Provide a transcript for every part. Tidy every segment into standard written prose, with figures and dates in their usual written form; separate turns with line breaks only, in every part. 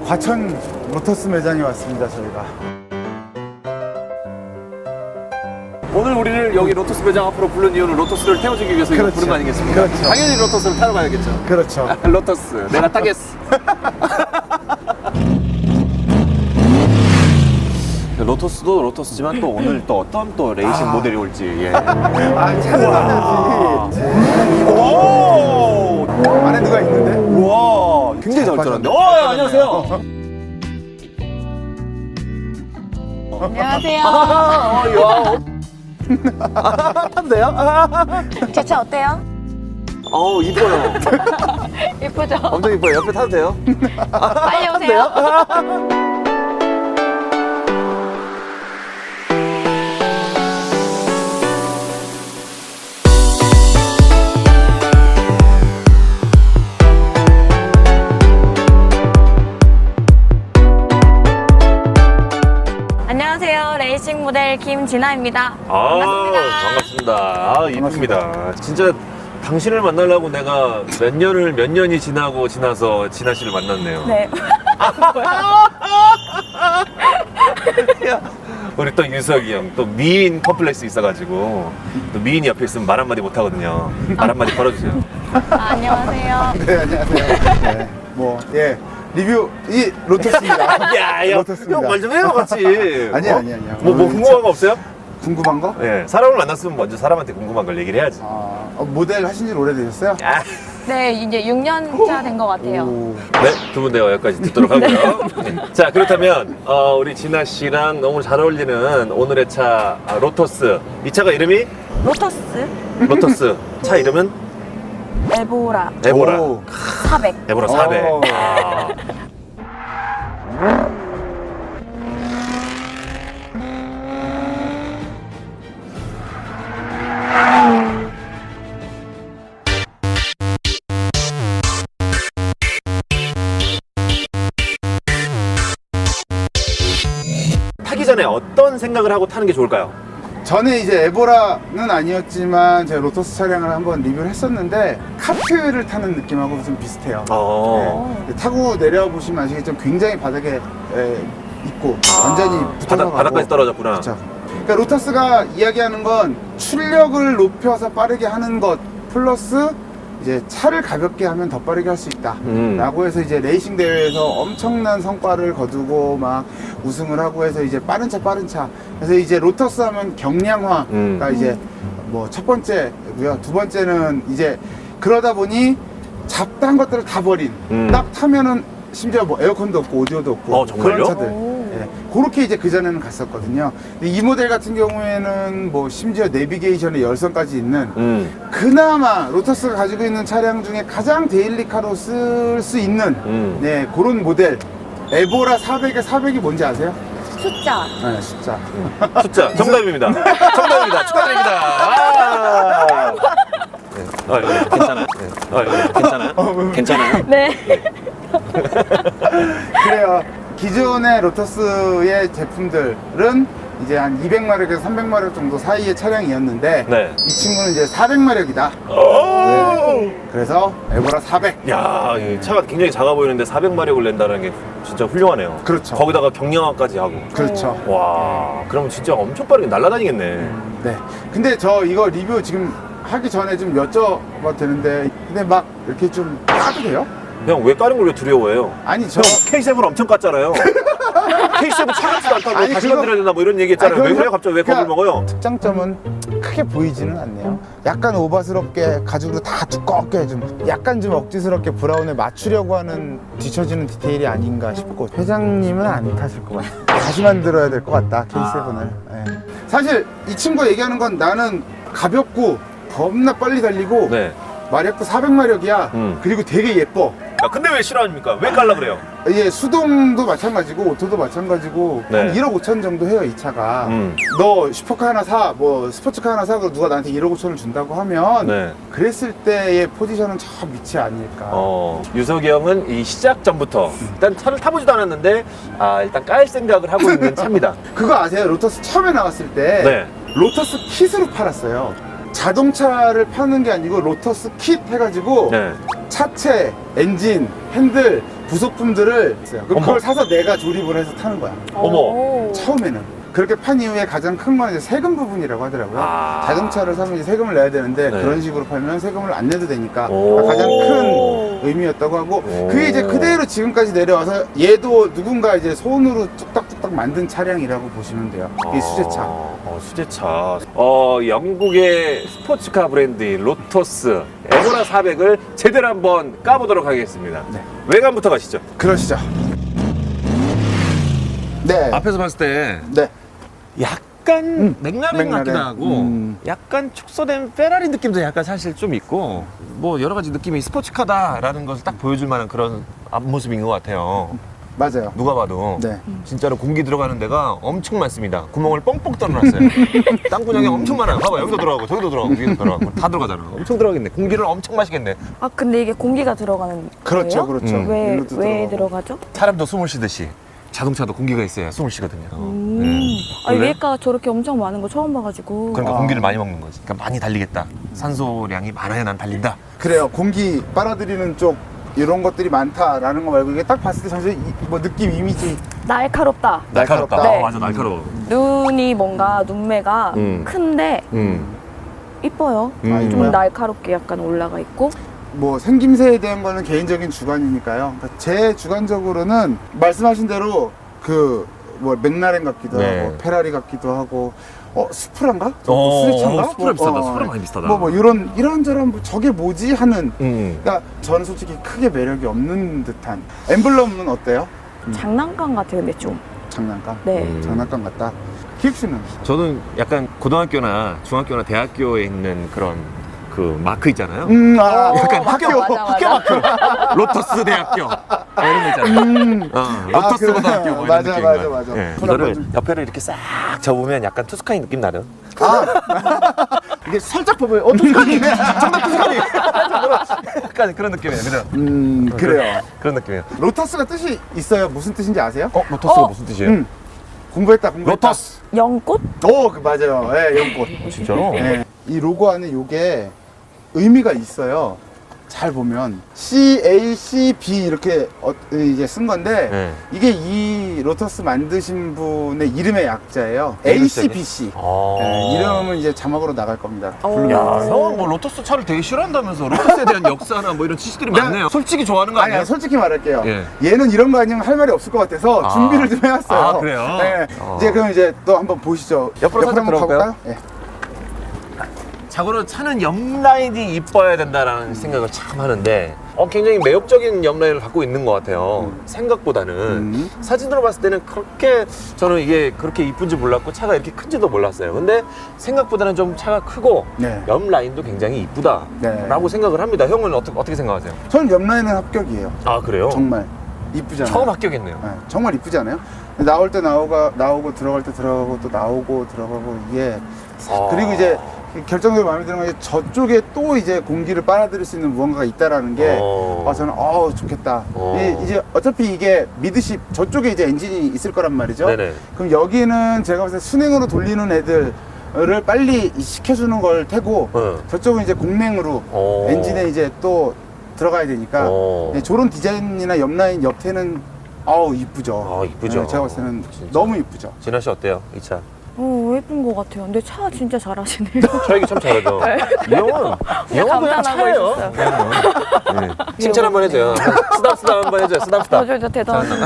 과천 로터스 매장에 왔습니다, 저희가.
오늘 우리를 여기 로터스 매장 앞으로 부른 이유는 로터스를 태워주기 위해서 이거
그렇죠.
부른 거 아니겠습니까?
그렇죠.
당연히 로터스를 타러 가야겠죠.
그렇죠.
로터스 내가 타겠어. 로터스도 로터스지만 또 오늘 또 어떤 또 레이싱 모델이 올지. 예.
아, 찾아봐야지.
오!
안에 누가 있는데?
우와, 굉장히 잘 쫄았는데. 안녕하세요.
안녕하세요.
타도 돼요?
제 차 어때요?
어우, 이뻐요.
예쁘죠?
엄청 이뻐요. 옆에 타도 돼요?
빨리 오세요. 안녕하세요. 레이싱 모델 김진아입니다.
반갑습니다. 이쁩니다. 진짜 당신을 만나려고 내가 몇 년이 지나서 진아 씨를 만났네요.
네.
야, 우리 또 유석이 형, 또 미인 컴플렉스 있어가지고, 또 미인이 옆에 있으면 말 한마디 못하거든요. 말 한마디 걸어주세요.
안녕하세요.
네, 안녕하세요. 네. 뭐, 예. 리뷰, 이 로터스입니다.
야,
로터스입니다.
형 말 좀 해요, 같이.
아니요.
뭐 궁금한 거 없어요?
궁금한 거?
예, 사람을 만났으면 먼저 사람한테 궁금한 걸 얘기를 해야지.
모델 하신 지 오래되셨어요?
야.
네, 이제 6년차 된 것 같아요.
네, 두 분 대화 여기까지 듣도록 하고요. 네. 자, 그렇다면 우리 진아 씨랑 너무 잘 어울리는 오늘의 차 로터스. 이 차가 이름이
로터스
로터스. 차 이름은
에보라
에보라.
오.
400.
에보라 400.
오.
아. 타기 전에 어떤 생각을 하고 타는 게 좋을까요?
전에 이제 에보라는 아니었지만 제가 로터스 차량을 한번 리뷰를 했었는데 카트를 타는 느낌하고 좀 비슷해요. 네. 타고 내려보시면 아시겠지만 굉장히 바닥에 있고 완전히 붙어서 가고
바닥까지 떨어졌구나.
그렇죠. 그러니까 로터스가 이야기하는 건 출력을 높여서 빠르게 하는 것 플러스 이제 차를 가볍게 하면 더 빠르게 할 수 있다 라고 해서 이제 레이싱 대회에서 엄청난 성과를 거두고 막 우승을 하고 해서 이제 빠른 차 그래서 이제 로터스 하면 경량화가 이제 뭐 첫 번째고요. 두 번째는 이제 그러다 보니 잡다한 것들을 다 버린 딱 타면은 심지어 뭐 에어컨도 없고 오디오도 없고
정말요?
그런 차들 그렇게 이제 그전에는 갔었거든요. 근데 이 모델 같은 경우에는 뭐 심지어 내비게이션에 열선까지 있는 그나마 로터스가 가지고 있는 차량 중에 가장 데일리카로 쓸 수 있는 네, 그런 모델 에보라 400의 400이 뭔지 아세요?
숫자.
네, 숫자.
숫자 정답입니다. 정답입니다. 축하드립니다. 괜찮아요? 괜찮아요? 괜찮아요?
네.
그래요. 기존의 로터스의 제품들은 이제 한 200마력에서 300마력 정도 사이의 차량이었는데
네.
이 친구는 이제 400마력이다. 네. 그래서 에보라 400.
야, 이 차가 굉장히 작아 보이는데 400마력을 낸다는 게 진짜 훌륭하네요.
그렇죠.
거기다가 경량화까지 하고.
그렇죠.
와, 그러면 진짜 엄청 빠르게 날아다니겠네.
네. 근데 저 이거 리뷰 지금 하기 전에 좀 여쭤봐도 되는데 근데 막 이렇게 좀 까도 돼요?
형, 왜 까는 걸 왜 두려워해요?
아니 저
형, K7 엄청 깠잖아요. K7 차갑지도 않다고
아니,
다시
그거-
건드려야 된다 뭐 이런 얘기 했잖아요.
아니,
왜
그거-
그래요? 갑자기 왜 겁을
그러니까-
먹어요?
특장점은 크게 보이지는 않네요. 약간 오바스럽게 가죽으로 다 두껍게 좀 약간 좀 억지스럽게 브라운에 맞추려고 하는 뒤처지는 디테일이 아닌가 싶고 회장님은 안 타실 것 같아요. 다시 만들어야 될 것 같다 K7을. 사실 이 친구가 얘기하는 건 나는 가볍고 겁나 빨리 달리고
네.
마력도 400마력이야. 그리고 되게 예뻐.
야, 근데 왜 싫어합니까? 왜 깔라 그래요?
예, 수동도 마찬가지고 오토도 마찬가지고
네.
한 1억 5천 정도 해요 이 차가. 너 슈퍼카 하나 사, 뭐 스포츠카 하나 사, 그리고 누가 나한테 1억 5천을 준다고 하면
네.
그랬을 때의 포지션은 저 밑이 아닐까.
유석이 형은 이 시작 전부터 일단 차를 타보지도 않았는데 일단 깔 생각을 하고 있는 차입니다.
그거 아세요? 로터스 처음에 나왔을 때
네.
로터스 킷으로 팔았어요. 자동차를 파는 게 아니고 로터스 킷 해가지고
네.
차체, 엔진, 핸들 부속품들을 있어요. 그럼
어머.
그걸 사서 내가 조립을 해서 타는 거야.
어머.
오.
처음에는. 그렇게 판 이후에 가장 큰 건 이제 세금 부분이라고 하더라고요.
아.
자동차를 사면 이제 세금을 내야 되는데
네.
그런 식으로 팔면 세금을 안 내도 되니까
오.
가장 큰 의미였다고 하고
오.
그게 이제 그대로 지금까지 내려와서 얘도 누군가 이제 손으로 뚝딱뚝딱 만든 차량이라고 보시면 돼요. 이게 수제차.
수제차. 영국의 스포츠카 브랜드인 로터스 에보라 400을 제대로 한번 까보도록 하겠습니다.
네.
외관부터 가시죠.
그러시죠. 네.
앞에서 봤을 때
네.
약간 맥라렌
맥라렌.
같기도 하고 약간 축소된 페라리 느낌도 약간 사실 좀 있고 뭐 여러 가지 느낌이 스포츠카다라는 것을 딱 보여줄 만한 그런 앞모습인 것 같아요.
맞아요.
누가 봐도
네.
진짜로 공기 들어가는 데가 엄청 많습니다. 구멍을 뻥뻥 뚫어놨어요. 땅구멍이 엄청 많아요. 봐봐, 여기도 들어가고 저기도 들어가고 위에도 들어가고 다 들어가잖아. 엄청 들어가겠네. 공기를 엄청 마시겠네.
아 근데 이게 공기가 들어가는
그렇죠,
거예요?
그렇죠.
왜
일로도
왜
들어가고.
들어가죠?
사람도 숨을 쉬듯이 자동차도 공기가 있어야 숨을 쉬거든요.
아니
원래?
위에가 저렇게 엄청 많은 거 처음 봐가지고.
그러니까
아.
공기를 많이 먹는 거지. 그러니까 많이 달리겠다. 산소량이 많아야 난 달린다.
그래요. 공기 빨아들이는 쪽 이런 것들이 많다라는 거 말고 이게 딱 봤을 때 전체 뭐 느낌 이미지
날카롭다.
날카롭다.
네.
맞아, 날카로워.
눈이 뭔가 눈매가 큰데 이뻐요.
아,
좀
이뻐요?
날카롭게 약간 올라가 있고.
뭐 생김새에 대한 거는 개인적인 주관이니까요. 그러니까 제 주관적으로는 말씀하신 대로 그 뭐 맥라렌 같기도
네.
하고 페라리 같기도 하고 수프란가?
수제차인가?
수제차인가?
수프라 비슷하다. 수프라 많이 비슷하다.
뭐 이런저런 뭐 저게 뭐지 하는.
음.
그러니까 저는 솔직히 크게 매력이 없는 듯한. 엠블럼은 어때요?
장난감 같아요, 근데 좀.
장난감.
네.
장난감 같다. 기욱 씨는?
저는 약간 고등학교나 중학교나 대학교에 있는 그런 그 마크 있잖아요.
약간
맞아,
학교.
맞아, 맞아.
학교 마크. 로터스 대학교. 이런 거 있잖아요. 로터스
그래.
고등학교 뭐 이런
맞아,
느낌인
맞아,
거예요.
맞아.
예.
그런
이거를
거 좀-
옆에를 이렇게 싹 접으면 약간 투스카이 느낌 나는.
이게 살짝 보면 투스카니.
정답 투스카이. 약간 그런 느낌이에요. 그죠?
그래요.
그런 느낌이에요.
로터스가 뜻이 있어요. 무슨 뜻인지 아세요?
로터스가 무슨 뜻이에요?
공부했다.
로터스.
연꽃?
맞아요. 예, 연꽃.
진짜로?
예. 이 로고 안에 요게 의미가 있어요. 잘 보면 CACB 이렇게 이제 쓴 건데
네.
이게 이 로터스 만드신 분의 이름의 약자예요.
A로
ACBC. 예, 이름은 이제 자막으로 나갈 겁니다.
오.
부르면.
야, 형은 뭐 로터스 차를 되게 싫어한다면서 로터스에 대한 역사나 뭐 이런 지식들이 많네요. 솔직히 좋아하는 거 아니에요?
아니, 솔직히 말할게요.
예.
얘는 이런 거 아니면 할 말이 없을 것 같아서
아.
준비를 좀 해왔어요.
아, 그래요?
네.
어.
이제 그럼 이제 또 한번 보시죠.
옆으로 살짝
한번
들어갈까요?
가볼까요? 예.
자고로 차는 옆라인이 이뻐야 된다라는 생각을 참 하는데 굉장히 매력적인 옆라인을 갖고 있는 것 같아요. 생각보다는 사진으로 봤을 때는 그렇게 저는 이게 그렇게 이쁜지 몰랐고 차가 이렇게 큰지도 몰랐어요. 근데 생각보다는 좀 차가 크고
네.
옆라인도 굉장히 이쁘다라고
네.
생각을 합니다. 형은 어떻게 생각하세요?
저는 옆라인은 합격이에요.
아 그래요?
정말 이쁘잖아요.
처음 합격했네요.
네, 정말 이쁘지 않아요? 나올 때 나오고 들어갈 때 들어가고 또 나오고 들어가고 이게 그리고 이제 결정적으로 마음에 드는 건 이제 저쪽에 또 이제 공기를 빨아들일 수 있는 무언가가 있다라는 게 저는 좋겠다. 이제 어차피 이게 미드십 저쪽에 이제 엔진이 있을 거란 말이죠.
네네.
그럼 여기는 제가 봤을 때 순행으로 돌리는 애들을 빨리 시켜주는 걸 테고 저쪽은 이제 공랭으로 엔진에 이제 또 들어가야 되니까 저런 디자인이나 옆라인 옆에는 이쁘죠.
이쁘죠.
네, 제가 봤을 때는
진짜.
너무 이쁘죠.
진아 씨 어때요? 이 차?
예쁜 것 같아요. 근데 차 진짜 잘하시네요.
차 얘기 참 잘하죠. 이 형은 그냥
감탄하고
차예요.
있었어요.
네. 칭찬 한번 해줘요. 쓰담쓰담 한번 해줘요. 쓰담쓰담.
진짜 대단하시네요.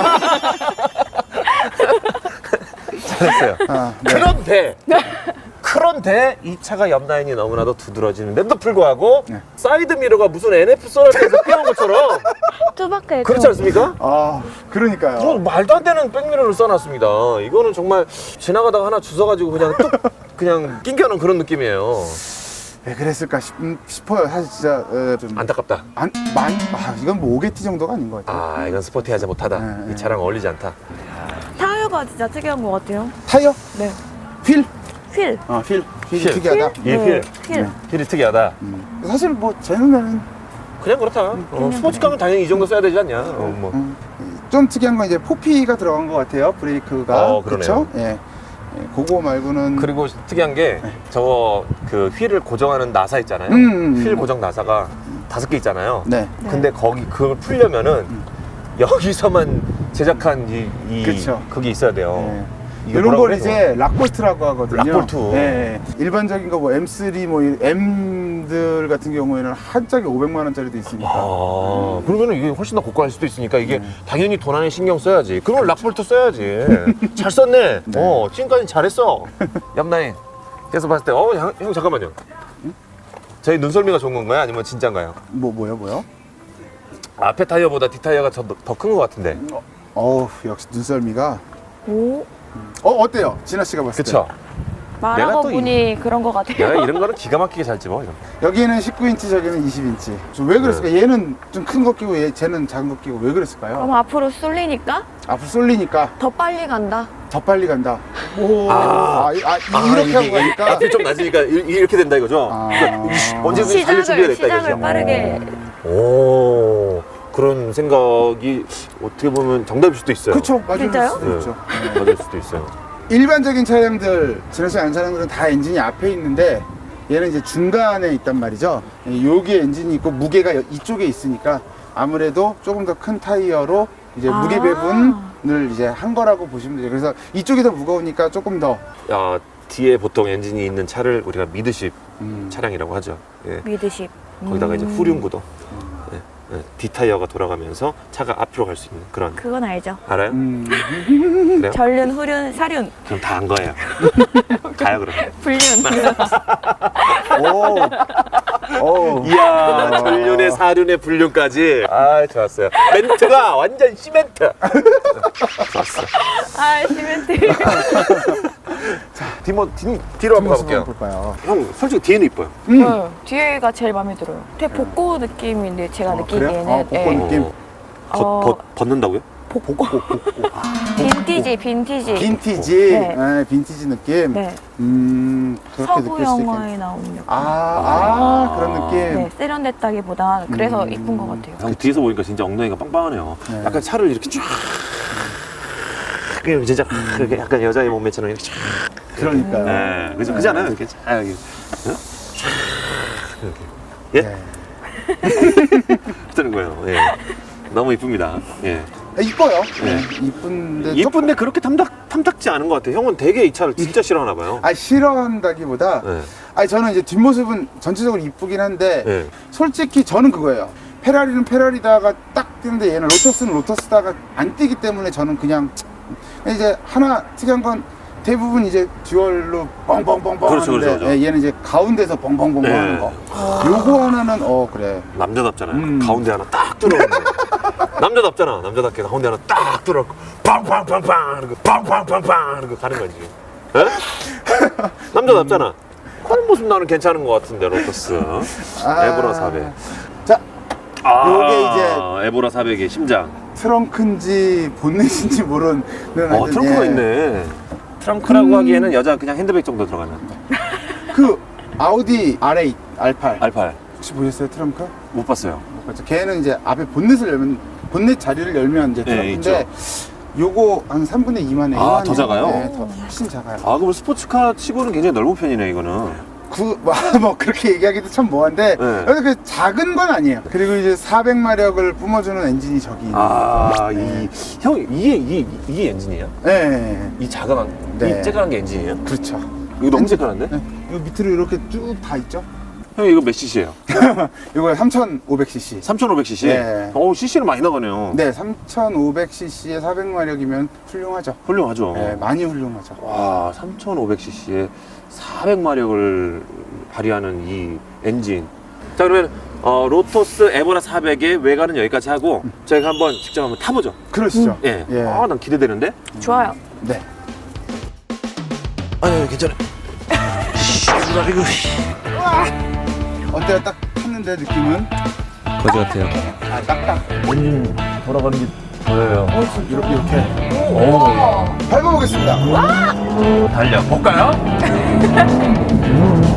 잘했어요.
네.
그런데 이 차가 옆라인이 너무나도 두드러지는데도 불구하고
네.
사이드 미러가 무슨 NF 소나타에서 끼운 것처럼
투박해.
그렇지 않습니까?
그러니까요.
뭐 말도 안 되는 백미러를 써놨습니다. 이거는 정말 지나가다가 하나 주워가지고 그냥 뚝 그냥 낑겨놓은 그런 느낌이에요.
왜 그랬을까 싶어요. 사실 진짜 좀
안타깝다.
이건 뭐 5개T 정도가 아닌 것 같아요.
이건 스포티하지 못하다.
네,
이 차랑 어울리지 않다.
타이어가 진짜 특이한 것 같아요.
타이어?
네.
휠?
휠.
휠이
휠.
특이하다.
네. 휠.
휠이 특이하다.
사실 뭐 제 눈에는
그냥 그렇다. 스포츠카면 당연히 이 정도 써야 되지 않냐.
좀 특이한 건 이제 포피가 들어간 것 같아요. 브레이크가.
그러네요.
그렇죠? 예. 그거 말고는
그리고 특이한 게 저거 그 휠을 고정하는 나사 있잖아요. 휠 고정 나사가 5개 있잖아요.
네.
근데 거기 그걸 풀려면은 여기서만 제작한
그쵸.
그게 있어야 돼요.
네.
이게
이런
뭐라고
걸
그래서?
이제 락볼트라고 하거든요.
락볼트.
네. 일반적인 거 뭐 M3 뭐 M들 같은 경우에는 한 짝에 500만 원짜리도 있으니까.
그러면 이게 훨씬 더 고가일 수도 있으니까 이게 당연히 돈 안에 신경 써야지. 그러면 락볼트 써야지. 잘 썼네. 지금까지 잘했어. 옆라인 계속 봤을 때, 형 잠깐만요. 저희 눈썰미가 좋은 건가요? 아니면 진짠가요?
뭐요?
앞에 타이어보다 뒷 타이어가 더 큰 것 같은데.
역시 눈썰미가.
오.
어때요? 진아 씨가 봤을
그쵸? 내가
말하고
또
보니 그런 것 같아요.
내가 이런 거는 기가 막히게 잘 집어. 이런 거.
때? 여기는 19인치, 저기는 20인치. 왜 그랬을까? 얘는 좀 큰 거 끼고 쟤는 작은 거 끼고 왜 그랬을까요?
그럼 앞으로 쏠리니까
앞으로 쏠리니까
더 빨리 간다.
더 빨리 간다. 이렇게
이게
하고 가니까.
앞이 좀 낮으니까 이렇게 된다 이거죠? 언제든지 달릴 준비가 됐다
시작을
이거죠?
빠르게.
오, 그런 생각이 어떻게 보면 정답일 수도 있어요.
그쵸, 맞을
진짜요?
수도 있죠.
맞을 수도 있어요.
일반적인 차량들, 진아 씨 아는 차량들은 다 엔진이 앞에 있는데 얘는 이제 중간에 있단 말이죠. 여기에 엔진이 있고 무게가 이쪽에 있으니까 아무래도 조금 더 큰 타이어로 이제 무게 배분을 이제 한 거라고 보시면 되죠. 그래서 이쪽이 더 무거우니까 조금 더.
뒤에 보통 엔진이 있는 차를 우리가 미드십 차량이라고 하죠. 예.
미드십.
거기다가 이제 후륜구도. 뒷타이어가 돌아가면서 차가 앞으로 갈 수 있는 그런.
그건 알죠.
알아요? 그래요?
전륜, 후륜, 사륜,
그럼 다 안 거예요. 가요 그럼.
불륜.
이야, 전륜에 사륜에 불륜까지. 좋았어요. 멘트가 완전 시멘트. 좋았어.
시멘트.
뒤로 한번 가볼게요.
볼까요?
형, 솔직히 뒤에는 이뻐요.
뒤에가 제일 마음에 들어요. 되게 복고 느낌인데 제가 느끼기에는.
그래요? 복고
예.
느낌.
벗는다고요?
복고.
빈티지.
빈티지.
네.
네, 빈티지 느낌.
네.
그렇게
서부
느낄 수 있겠네.
영화에 나온 느낌.
그런 느낌.
네, 세련됐다기보다 그래서 이쁜 것 같아요.
형 뒤에서 보니까 진짜 엉덩이가 빵빵하네요.
네.
약간 차를 이렇게 쫙. 그냥 진짜 그렇게 약간 여자의 몸매처럼 이렇게 쫙.
그러니까요.
네, 그죠? 그지 않아요? 이렇게 쫙 이렇게. 이렇게. 예?
네.
뜨는 거예요. 예. 너무 이쁩니다. 예.
이뻐요.
네.
이쁜데.
이쁜데 그렇게 탐탁지 않은 것 같아요. 형은 되게 이 차를 진짜 싫어하나 봐요.
싫어한다기보다.
네.
저는 이제 뒷모습은 전체적으로 이쁘긴 한데.
네.
솔직히 저는 그거예요. 페라리는 페라리다가 딱 뛰는데 얘는 로터스는 로터스다가 안 뛰기 때문에 저는 그냥 이제 하나 특이한 건 대부분 이제 듀얼로 뻥뻥뻥뻥
그렇죠,
하는데
그렇죠.
얘는 이제 가운데서 뻥뻥뻥뻥
네.
하는 거. 요거 하나는 그래.
남자답잖아요. 가운데 하나 딱 뚫어놓는데. 남자답잖아. 남자답게 가운데 하나 딱 뚫어놓고 빵빵빵빵 이렇게 빵빵빵빵 이렇게 가는 거지. 에? 남자답잖아. 그런 모습 나는 괜찮은 것 같은데 로터스. 에보라 400.
자, 요게 이제
에보라 400의 심장.
트렁크인지 본넷인지 모르는 하여튼,
트렁크가 있네. 트렁크라고 하기에는 여자 그냥 핸드백 정도 들어가는.
그 아우디 R8, R8
R8
혹시 보셨어요 트렁크?
못 봤어요.
그렇죠. 걔는 이제 앞에 본넷을 열면 본넷 자리를 열면 이제
네,
트렁크인데 요거 한 3분의 2만 해.
더 작아요?
네, 더 훨씬 작아요.
그럼 스포츠카 치고는 굉장히 넓은 편이네 이거는.
뭐 그렇게 얘기하기도 참 뭐한데
네.
그래도 그 작은 건 아니에요. 그리고 이제 400마력을 뿜어주는 엔진이 저기 있는 거예요.
형 이게 엔진이에요?
네.
이 작은
네.
이 쬐끈한 게 엔진이에요?
그렇죠.
이거 너무 쬐끈한데?
네. 요 밑으로 이렇게 쭉 다 있죠.
형 이거 몇 cc예요?
이거 3,500cc.
3,500cc?
네.
cc는 많이 나가네요.
네, 3,500cc에 400마력이면 훌륭하죠.
훌륭하죠.
네, 많이 훌륭하죠.
와, 3,500cc에 400마력을 발휘하는 이 엔진. 자, 그러면 로토스 에보라 400의 외관은 여기까지 하고 저희가 한번 직접 한번 타보죠.
그러시죠.
예.
예.
난 기대되는데?
좋아요.
네.
아니, 괜찮아.
어때요? 딱 탔는데 느낌은?
거지 같아요.
딱딱.
돌아가는 게 보여요.
이렇게. 밟아보겠습니다.
달려 볼까요?